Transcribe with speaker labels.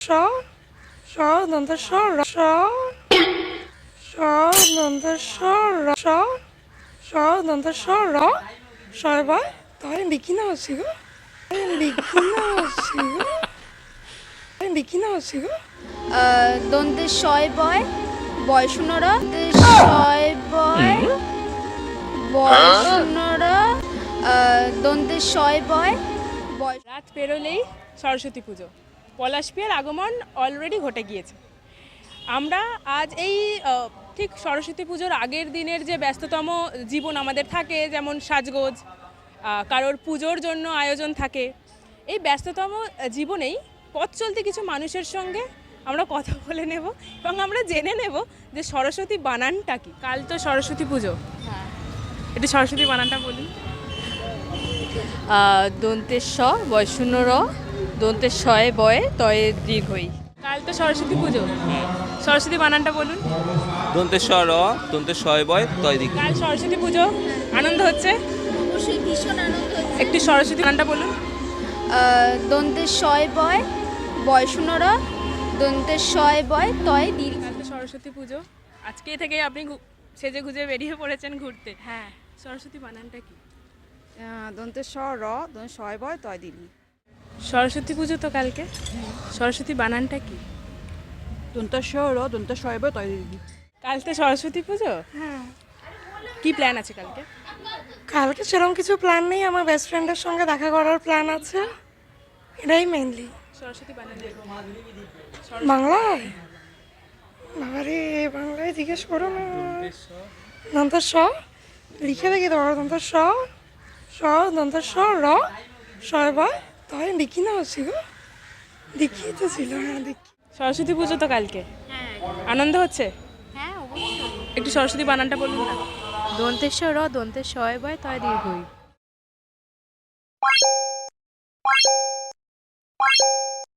Speaker 1: স স দন্ত স র স স দন্ত স র স স দন্ত স র শয় বয় তয় লিখি না হচ্ছি গো লিখি না হচ্ছি গো লিখি না হচ্ছি গো
Speaker 2: দন্তে শয় বয় বয় শূন্যর শয় বয় বয় শূন্যর দন্তে শয় বয় বয়।
Speaker 3: রাত পেরোলেই সরস্বতী পুজো, পলাশপিয়ার আগমন অলরেডি ঘটে গিয়েছে। আমরা আজ এই ঠিক সরস্বতী পুজোর আগের দিনের যে ব্যস্ততম জীবন আমাদের থাকে, যেমন সাজগোজ, কারোর পুজোর জন্য আয়োজন থাকে, এই ব্যস্ততম জীবনেই পথ চলতে কিছু মানুষের সঙ্গে আমরা কথা বলে নেব এবং আমরা জেনে নেব যে সরস্বতী বানানটা কি। কাল তো সরস্বতী পুজো, একটু সরস্বতী বানানটা বলুন।
Speaker 4: দন্তের স বয় শূন্য র দন্তের শয়ে বয়ে তয়ে দীর্ঘই।
Speaker 3: কাল তো সরস্বতী পুজো, সরস্বতী বানানটা বলুন।
Speaker 5: দন্তের স র দন্তের শয় বয় তয় দিক।
Speaker 3: কাল সরস্বতী পুজো, আনন্দ হচ্ছে,
Speaker 2: অবশ্যই ভীষণ আনন্দ হচ্ছে।
Speaker 3: একটু সরস্বতী বানানটা বলুন।
Speaker 2: দন্তে শয় বয় বয় শূন্যর দন্তে শয় বয় তয় দীর্ঘ।
Speaker 3: কাল তো সরস্বতী পুজো, আজকে থেকে আপনি সেজে গুজে বেরিয়ে পড়েছেন ঘুরতে।
Speaker 4: হ্যাঁ,
Speaker 3: সরস্বতী বানানটা কি?
Speaker 4: দন্তের স র দন্তের শয় বয় তয় দীর্ঘ।
Speaker 3: সরস্বতী পুজো তো কালকে, সরস্বতী বানানটা কি?
Speaker 4: দন্তের স র দন্তের শয় বয় তয় দীর্ঘ।
Speaker 3: কাল তো সরস্বতী পুজো, কি প্ল্যান আছে কালকে?
Speaker 1: কালকে সেরকম কিছু প্ল্যান নেই, আমার বেস্ট ফ্রেন্ডের সঙ্গে দেখা করার প্ল্যান আছে, এটাই মেনলি।
Speaker 3: সরস্বতী বানানটা কি?
Speaker 1: বাংলায় বাবারে, বাংলায় জিজ্ঞেস করো না। দন্ত স লিখে দেখি তো, দন্ত স স দন্ত স র শয় বয় তয় লিখি না হচ্ছি গো দেখিয়ে তো ছিল, হ্যাঁ দেখি।
Speaker 3: সরস্বতী পুজো তো কালকে, আনন্দ হচ্ছে,
Speaker 2: হ্যাঁ অবশ্যই।
Speaker 3: একটু সরস্বতী বানানটা বলুন না।
Speaker 4: দন্তের স র দন্তের শয় বয় তয় দীর্ঘই।